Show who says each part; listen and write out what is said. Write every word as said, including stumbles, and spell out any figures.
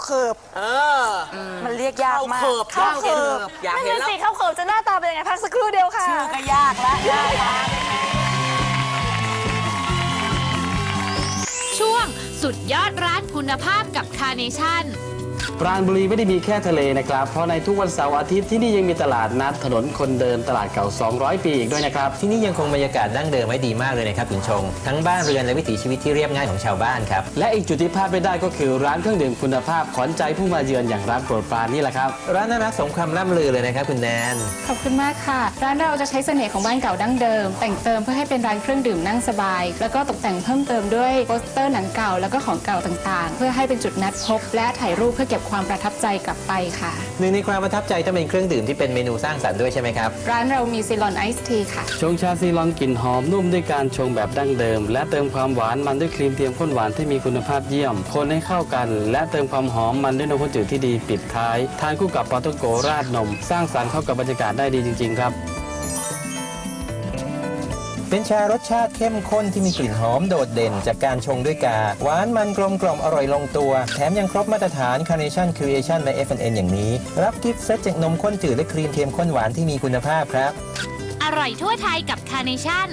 Speaker 1: เขิบเออมันเรียกยากมากข้าวเขิบอยากเห็นแล้วสิข้าวเขิบจะหน้าตาเป็นยังไงพักสักครู่เดียวค่ะชื่อก็ยากแล้วยาก
Speaker 2: ช่วงสุดยอดร้านคุณภาพกับคาร์เนชั่น
Speaker 3: ปราณบุรีไม่ได้มีแค่ทะเลนะครับเพราะในทุกวันเสาร์อาทิตย์ที่นี่ยังมีตลาดนัดถนนคนเดินตลาดเก่าสองร้อยปีอีกด้วยนะครับ
Speaker 4: ที่นี่ยังคงบรรยากาศดั้งเดิมไว้ดีมากเลยนะครับคุณชงทั้งบ้านเรือนและวิถีชีวิตที่เรียบง่ายของชาวบ้านครับ
Speaker 3: และอีกจุดที่พลาดไม่ได้ก็คือร้านเครื่องดื่มคุณภาพขวัญใจผู้มาเยือนอย่างร้านโปรดปรานนี่แหละครับ
Speaker 4: ร้านน่ารักสมคำล่ำลือเลยนะครับคุณแนน
Speaker 5: ขอบคุณมากค่ะร้านเราจะใช้เสน่ห์ของบ้านเก่าดั้งเดิมแต่งเติมเพื่อให้เป็นร้านเครื่องดื่มนั่งสบายแล้วก็ตกแต่งเพิ่มเติมด้วยโปสเตอร์หนังเก่าแล้วก็ของเก่าต่างๆเพื่อให้เป็นจุดนัดพบและถ่ายรูปเพื่อเก็บความประทับใจกลับไปค่ะ
Speaker 4: หนึ่งในความประทับใจต้องเป็นเครื่องดื่มที่เป็นเมนูสร้างสรรค์ด้วยใช่ไหมครับ
Speaker 5: ร้านเรามีซีลอนไอซ์ทีค่ะ
Speaker 3: ชงชาซีลอนกลิ่นหอมนุ่มด้วยการชงแบบดั้งเดิมและเติมความหวานมันด้วยครีมเทียมข้นหวานที่มีคุณภาพเยี่ยมคนให้เข้ากันและเติมความหอมมันด้วยนมข้นจืดที่ดีปิดท้ายทานคู่กับปาโตโกราดนมสร้างสรรค์เข้ากับบรรยากาศได้ดีจริงๆครับ
Speaker 4: เป็นชารสชาติเข้มข้นที่มีกลิ่นหอมโดดเด่นจากการชงด้วยกาหวานมันกลมกล่อมอร่อยลงตัวแถมยังครบมาตรฐาน Carnation Creation และ เอฟ แอนด์ เอ็น อย่างนี้รับกิฟต์เซตจากนมข้นจืดและครีมเทียมข้นหวานที่มีคุณภาพครับ
Speaker 2: อร่อยทั่วไทยกับคาร์เนชั่น